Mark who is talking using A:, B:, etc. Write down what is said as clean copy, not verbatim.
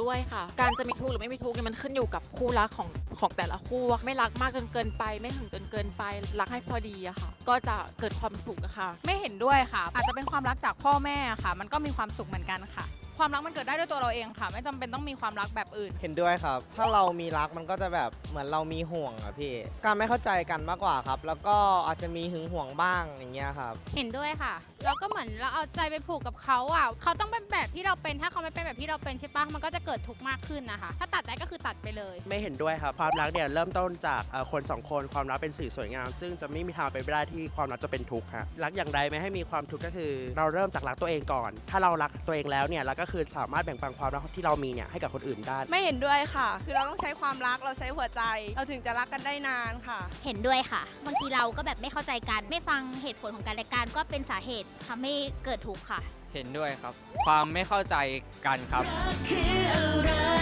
A: ด้วยค่ะการจะมีทุกข์หรือไม่มีทุกข์เนี่ยมันขึ้นอยู่กับคู่รักของแต่ละคู่ไม่รักมากจนเกินไปไม่ถึงจนเกินไปรักให้พอดีอะค่ะก็จะเกิดความสุขอะค่ะ
B: ไม่เห็นด้วยค่ะอาจจะเป็นความรักจากพ่อแม่ค่ะมันก็มีความสุขเหมือนกันค่ะความรักมันเกิดได้ด้วยตัวเราเองค่ะไม่จำเป็นต้องมีความรักแบบอื่น
C: เห็นด้วยครับถ้าเรามีรักมันก็จะแบบเหมือนเรามีห่วงอะพี่การไม่เข้าใจกันมากกว่าครับแล้วก็อาจจะมีหึงห่วงบ้างอย่างเงี้ยครับ
D: เห็นด้วยค่ะแล้วก็เหมือนเราเอาใจไปผูกกับเขาอ่ะเขาต้องเป็นแบบที่เราเป็นถ้าเขาไม่เป็นแบบที่เราเป็นใช่ปะมันก็จะเกิดทุกข์มากขึ้นนะคะถ้าตัดได้ก็คือตัดไปเลย
E: ไม่เห็นด้วยครับความรักเนี่ยเริ่มต้นจากคนสองคนความรักเป็นสิ่งสวยงามซึ่งจะไม่มีทางไปนไม่ได้ที่ความรักจะเป็นทุกข์ครับรักอย่างใดไม่ให้มีความทุกข์ก็คือ เราเริ่มจากรักตัวเองก่อน ถ้าเรารักตัวเองแล้วเนี่ยเราก็คือสามารถแบ่งปันความรักที่เรามีเนี่ยให้กับคนอื่นได้
B: ไม่เห็นด้วยค่ะคือเราต้องใช้ความรักเราใช้หัวใจเราถึงจะรักกันได้นานค่ะ
D: เห็นด้วยค่ะบางทีเราก็แบบไม่เข้าใจกันไม่ฟังเหตุผลของกันและกันก็เป็นสาเหตุทำให้เกิดทุกข์ค่ะ
F: เห็นด้วยครับความไม่เข้าใจกันครับ